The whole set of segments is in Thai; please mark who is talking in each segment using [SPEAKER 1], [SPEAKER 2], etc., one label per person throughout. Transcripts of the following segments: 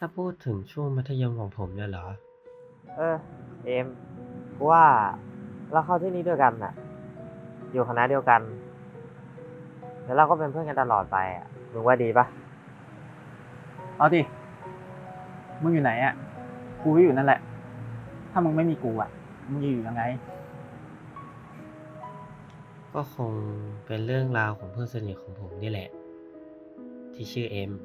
[SPEAKER 1] ถ้าพูดถึงช่วงมัธยมของผมเนี่ยเหรอ
[SPEAKER 2] เออเอมกูว่าเราเข้าที่นี่ด้วยกันน่ะอยู่คณะเดียวกันแล้วเราก็เป็นเพื่อนกันตลอดไปอ่ะมึงว่าดีปะ
[SPEAKER 3] เอาดิมึงอยู่ไหนอ่ะกูก็อยู่นั่นแหละถ้ามึงไม่มีกูอ่ะมึงจะอยู่ยังไง
[SPEAKER 1] ก็คงเป็นเรื่องราวของเพื่อนสนิทของผมนี่แหละที่ชื่อเอ็ม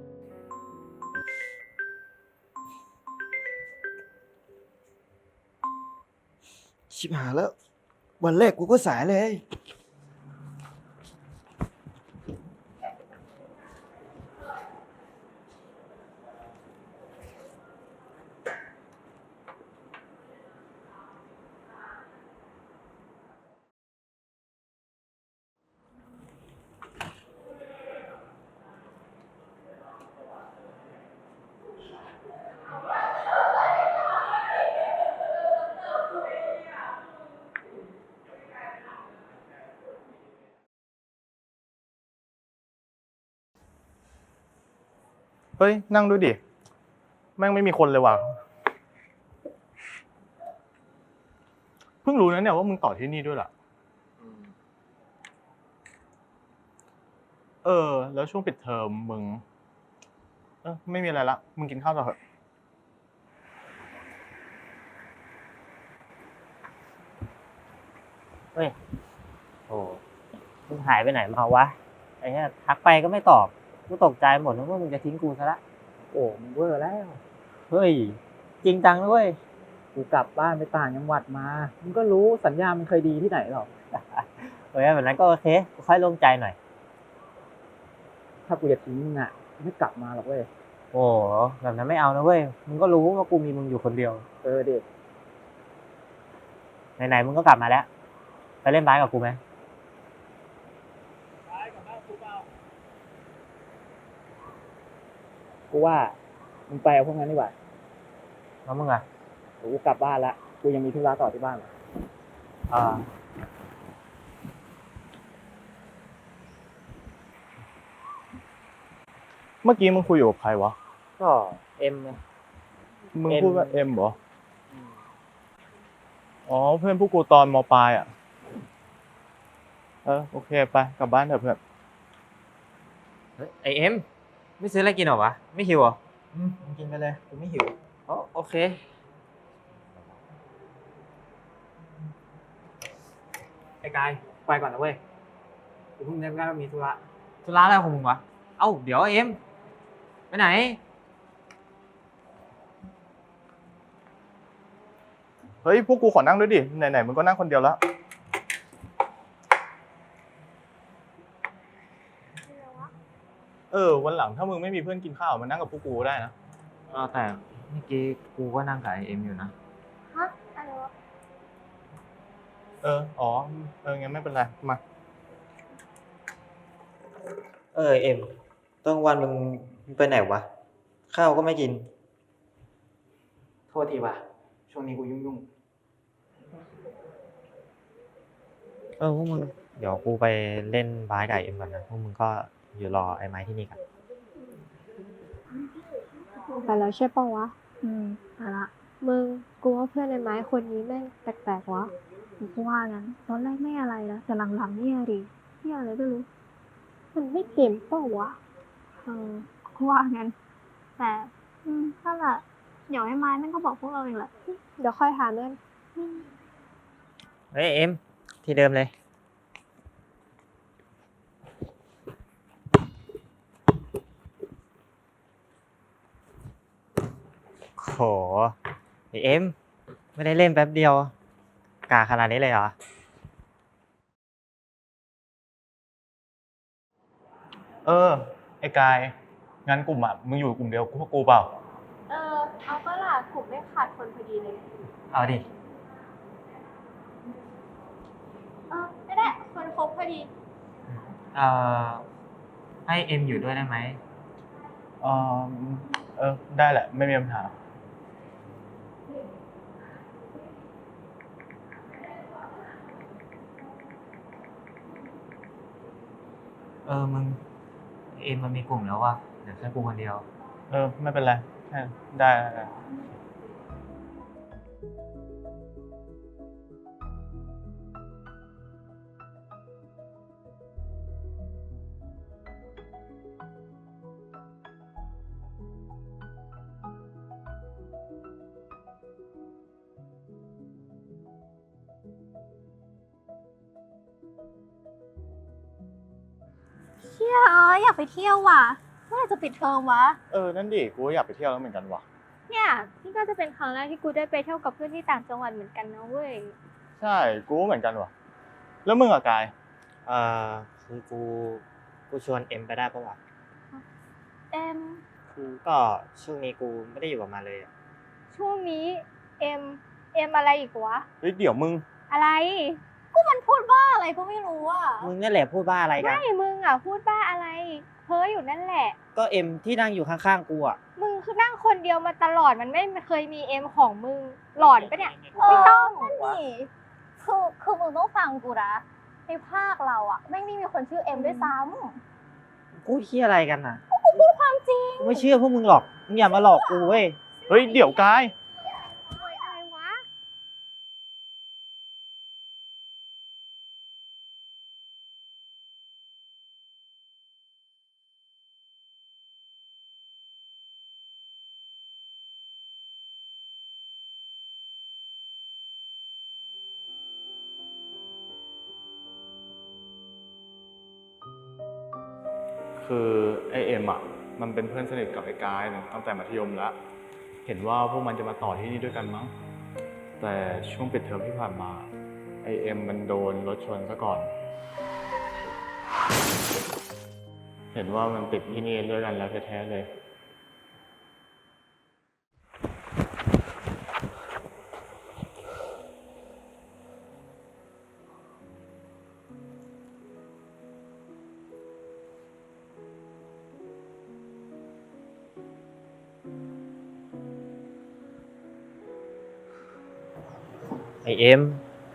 [SPEAKER 4] ชิบหายแล้ววันแรกกูก็สายเลย
[SPEAKER 5] เฮ้ยนั่งดูดิแม่งไม่มีคนเลยว่ะเพิ่งรู้นะเนี่ยว่ามึงต่อที่นี่ด้วยล่ะแล้วช่วงปิดเทอมมึงไม่มีอะไรละมึงกินข้าวต่อเถอะ
[SPEAKER 2] เฮ้ยโอ้มึงหายไปไหนมาวะไอ้เนี่ยทักไปก็ไม่ตอบกูตกใจหมดนึกว่ามึงจะทิ้งกูซะละโอ้มึงเวอร์แล้ว
[SPEAKER 3] เฮ้ยจริงจังด้วยกูกลับบ้านไปต่างจังหวัดมามึงก็รู้สัญญามันเคยดีที่ไหนหรอก
[SPEAKER 2] เฮ้ยแบบนั้นก็โอเคกูค่อยโล่งใจหน่อย
[SPEAKER 3] ถ้ากูจะทิ้งมึงอ่ะไม่กลับมาหรอกเว้ย
[SPEAKER 2] โอ้แบบนั้นไม่เอานะเว้ยมึงก็รู้ว่ากูมีมึงอยู่คนเดียว
[SPEAKER 3] เด็ก
[SPEAKER 2] ไหนๆมึงก็กลับมาแล้วไปเล่นบาสกับกูไหม
[SPEAKER 3] กูว่ามึงไปเอาพวกนั้นดีกว่า
[SPEAKER 2] แล้วมึงอ่ะ
[SPEAKER 3] เดี๋ยวกูกลับบ้านละกูยังมีธุระต่อที่บ้าน
[SPEAKER 2] อ่า
[SPEAKER 5] เมื่อกี้มึงคุยอยู่กับใครวะ
[SPEAKER 2] ก็เอ็มไง
[SPEAKER 5] มึงพูดว่าเอ็มเหรออ๋อเพื่อนพวกกูตอนม.ปลายอ่ะโอเคไปกลับบ้านเถอะเพื่อน
[SPEAKER 2] เฮ้ยไอเอ็มไม่ซื้ออะไรกินหรอวะไม่หิวเหรอ
[SPEAKER 3] มึงกินไปเลยกูไม่หิว
[SPEAKER 2] อ๋อโอเค
[SPEAKER 3] ไอ้กายไปก่อนนะเว้ยกูเพิ่งนึกได้ว่ามีธุระ
[SPEAKER 2] อะไรของมึงวะเอ้าเดี๋ยวเอ็มไปไหน
[SPEAKER 5] เฮ้ยพวกกูขอนั่งด้วยดิไหนๆมึงก็นั่งคนเดียวแล้ววันหลังถ้ามึงไม่มีเพื่อนกินข้าวมานั่งกับพวกกูได้นะ
[SPEAKER 2] แต่เมื่อกี้กูก็นั่งกับไอเอ็มอยู่นะ
[SPEAKER 6] ฮะอะไรวะ
[SPEAKER 5] งั้นไม่เป็นไรมา
[SPEAKER 2] เอ็มตอนกลางวันมึงไปไหนวะข้าวก็ไม่กิน
[SPEAKER 3] โทษทีว่ะช่วงนี้กูยุ่ง
[SPEAKER 2] พวกมึงเดี๋ยวกูไปเล่นบาสกับเอ็มก่อนนะพวกมึงก็อยู่รอไอ้ไม้ที่นี่กัน
[SPEAKER 6] ไปแล้วใช่ปะวะไปละมึงกูว่าเพื่อนในไม้คนนี้แม่งแปลกๆวะกูว่างั้นตอนแรกไม่อะไรนะแต่หลังๆเนี่ยดิที่อะไรไม่รู้มันไม่เก่งเปล่าวะกูว่างั้นแต่นั่นแหละเดี๋ยวไอ้ไม้แม่งก็บอกพวกเราเองแหละเดี๋ยวค่อยหาเงิน
[SPEAKER 2] เฮ้ยเอ็มที่เดิมเลยโหเอ็มไม่ได้เล่นแป๊บเดียวกาขนาดนี้เลยเหรอ
[SPEAKER 5] ไอ้กายงั้นกลุ่มอ่ะมึงอยู่กลุ่มเดียวพวกกูเปล่า
[SPEAKER 6] เอาก็ล่ะกลุ่มไม่ขาดคนพอดีเลย
[SPEAKER 2] เอาดิ
[SPEAKER 6] ไม่ได้คนครบพอดี
[SPEAKER 2] ให้เอ็มอยู่ด้วยได้ไหม
[SPEAKER 5] ได้แหละไม่มีปัญหา
[SPEAKER 2] มึงเอ็มมันมีกลุ่มแล้วว่ะเดี๋ยวแค่กูคนเดียว
[SPEAKER 5] ไม่เป็นไรแค่ได้ได้ได้
[SPEAKER 7] เชี่ยอยากไปเที่ยวว่ะเมื่อไหร่จะปิดเทอมวะ
[SPEAKER 5] นั่นดิ กูก็อยากไปเที่ยวแล้วเหมือนกันว่ะ
[SPEAKER 6] เนี่ยนี่ก็จะเป็นครั้งแรกที่กูได้ไปเที่ยวกับเพื่อนที่ต่างจังหวัดเหมือนกันนะเว้ย
[SPEAKER 5] ใช่ กูก็เหมือนกันว่ะ แล้วมึงอะกาย
[SPEAKER 2] เอ่อคือกูชวนเอ็มไปได้ปะวะ
[SPEAKER 7] เอ็ม
[SPEAKER 2] คือก็ช่วงนี้กูไม่ได้อยู่กับมันเลยอะ
[SPEAKER 6] ช่วงนี้เอ็มอะไรอีกวะ
[SPEAKER 5] เฮ้ย เดี๋ยวมึง
[SPEAKER 6] อะไร
[SPEAKER 7] ก็มันพูดว่าอะไรก็ไม่รู้อ่ะ
[SPEAKER 2] มึงนั่นแหละพูดบ้าอะไรกัน
[SPEAKER 6] ไม่มึงอ่ะพูดบ้าอะไร เพ้ออยู่นั่นแหละ
[SPEAKER 2] ก็เอ็มที่นั่งอยู่ข้างๆกูอ่ะ
[SPEAKER 6] มึงคือนั่งคนเดียวมาตลอดมันไม่เคยมีเอ็มของมึงหลอนปะเนี่ยไม่ต้อง
[SPEAKER 7] นั่นดิคือมึงต้องฟังกูนะในภาคเราอ่ะไม่มีคนชื่อเอ็มด้วยซ้
[SPEAKER 2] กูเที่ยอะไรกันน่ะ
[SPEAKER 7] ำกูพูดความจริง
[SPEAKER 2] กูไม่เชื่อพวกมึงหรอก มึงอย่ามาหลอกกูเว้ย
[SPEAKER 5] เฮ้ย เดี๋ยวกาย
[SPEAKER 6] อะไรวะ
[SPEAKER 5] คือไอเอ็มอ่ะ มันเป็นเพื่อนสนิทกับไอ้กายตั้งแต่มัธยมแล้ว เห็นว่าพวกมันจะมาต่อที่นี่ด้วยกันมั้ง แต่ช่วงปิดเทอมที่ผ่านมาไอเอ็มมันโดนรถชนซะก่อน เห็นว่ามันติดที่นี่ด้วยกันแล้วแท้ๆเลย
[SPEAKER 2] ไอเอ็ม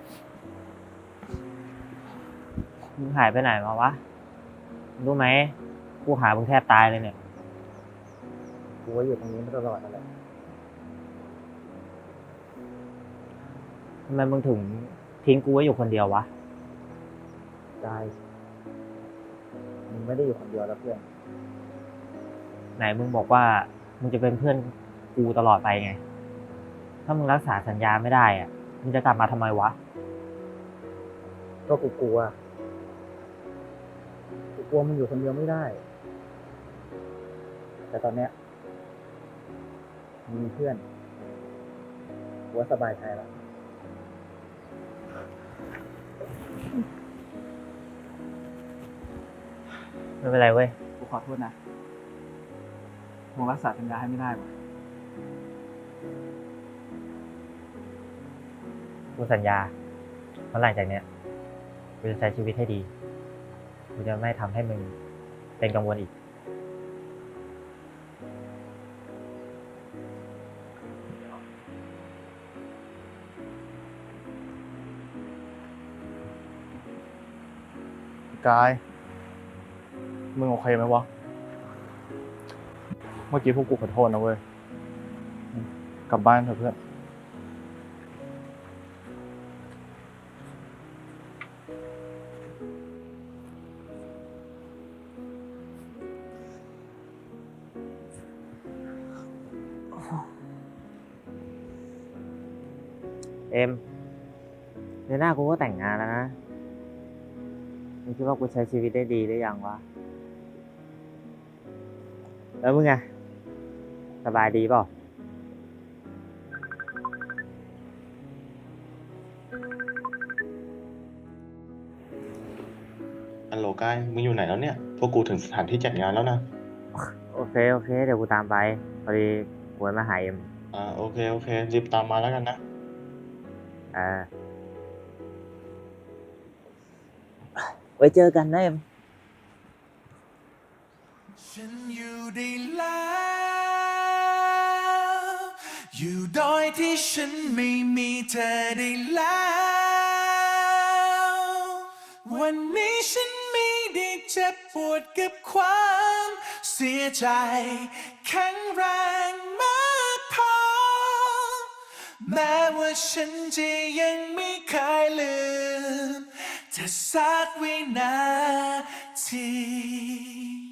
[SPEAKER 2] มึงหายไปไหนมาวะ รู้ไหม กูหามึงแทบตายเลยเนี่ย กูว่าอยู่ตรงนี้มาตลอดนั่นแหละทำไมมึงถึงทิ้งกูไว้อยู่คนเดียววะ ได้ มึงไม่ได้อยู่คนเดียวแล้วเพื่อน ไหนมึงบอกว่ามึงจะเป็นเพื่อนกูตลอดไปไง ถ้ามึงรักษาสัญญาไม่ได้อ่ะ มึงจะกลับมาทำไมวะ ก็กูกลัวมึงอยู่คนเดียวไม่ได้ แต่ตอนเนี้ยมีเพื่อนกูว่าสบายใจแล้ว ไม่เป็นไรเว้ย
[SPEAKER 3] กูขอโทษนะมึงรักษาสัญญาให้ไม่ได้ว่ะ
[SPEAKER 2] กูสัญญาว่าหลังจากเนี้ยกูจะใช้ชีวิตให้ดี กูจะไม่ทำให้มึงเป็นกังวลอีก
[SPEAKER 5] กาย มึงโอเคไหมวะ เมื่อกี้พวกกูขอโทษนะเว้ย กลับบ้านเถอะเพื่อน
[SPEAKER 2] เอ็มเดือนหน้ากูก็แต่งงานแล้วนะ มึงคิดว่ากูใช้ชีวิตได้ดีหรือยังวะ แล้วมึงอะสบายดีเปล่า
[SPEAKER 8] ฮัลโหลกาย มึงอยู่ไหนแล้วเนี่ย พวกกูถึงสถานที่จัดงานแล้วนะ
[SPEAKER 2] โอเค เดี๋ยวกูตามไป พอดีกูมาหาเอ็ม
[SPEAKER 8] โอเค รีบตามมาแล้วกันนะ
[SPEAKER 2] ไว้เจอกันนะเอ็ม
[SPEAKER 9] ฉันอยู่ได้แล้ว อยู่โดยที่ฉันไม่มีเธอได้แล้ว วันนี้ฉันไม่ได้เจ็บปวดกับความเสียใจแข็งแรงมากแม้ว่าฉันจะยังไม่เคยลืมเธอสักวินาที